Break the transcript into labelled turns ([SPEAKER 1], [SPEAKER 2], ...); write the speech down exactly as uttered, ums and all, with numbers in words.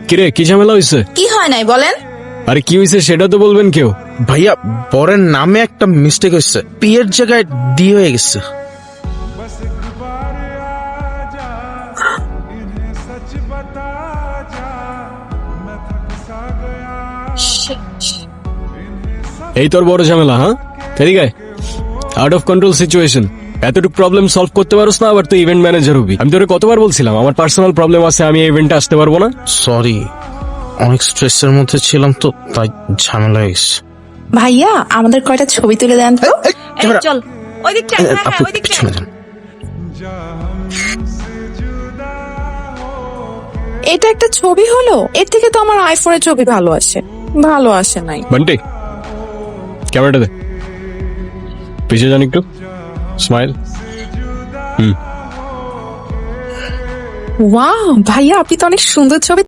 [SPEAKER 1] কিরে কি ঝামেলা হয়েছে?
[SPEAKER 2] কি হয় নাই বলেন?
[SPEAKER 1] আরে কি হয়েছে সেটা তো বলবেন কেউ।
[SPEAKER 3] ভাইয়া বরের নামে একটা মিস্টেক হয়েছে, পিয়ের জায়গায় ডি হয়ে গেছে।
[SPEAKER 1] এই তোর বড় ঝামেলা? হ্যাঁ ঠিক আছে, আউট অফ কন্ট্রোল সিচুয়েশন। এতটুকু প্রবলেম সলভ করতে পারোস না, আবার তুই ইভেন্ট ম্যানেজার হবি। আমি তোরে কতবার বলছিলাম আমার পার্সোনাল প্রবলেম আছে, আমি এই ইভেন্টে আসতে পারবো না।
[SPEAKER 3] সরি, অনেক স্ট্রেসের মধ্যে ছিলাম তো তাই ঝামেলা হয়ে গেছে।
[SPEAKER 2] ভাইয়া আমাদের কয়টা ছবি তুলে দেন তো।
[SPEAKER 3] এই, ক্যামেরা।
[SPEAKER 2] চল ওই দিকটা,
[SPEAKER 3] এই,
[SPEAKER 2] হ্যাঁ হ্যাঁ
[SPEAKER 3] আপু
[SPEAKER 2] ওই দিকটা।
[SPEAKER 3] পিছনে যান।
[SPEAKER 2] এটা একটা ছবি হলো, এর থেকে তো আমার আইফোনের ছবি ভালো আসে। ভালো আসে নাই।
[SPEAKER 1] বান্টি ক্যামেরাটা দে, পিছিয়ে যান একটু, স্মাইল। হুম
[SPEAKER 2] ওয়াও ভাইয়া আপনি তো অনেক সুন্দর ছবি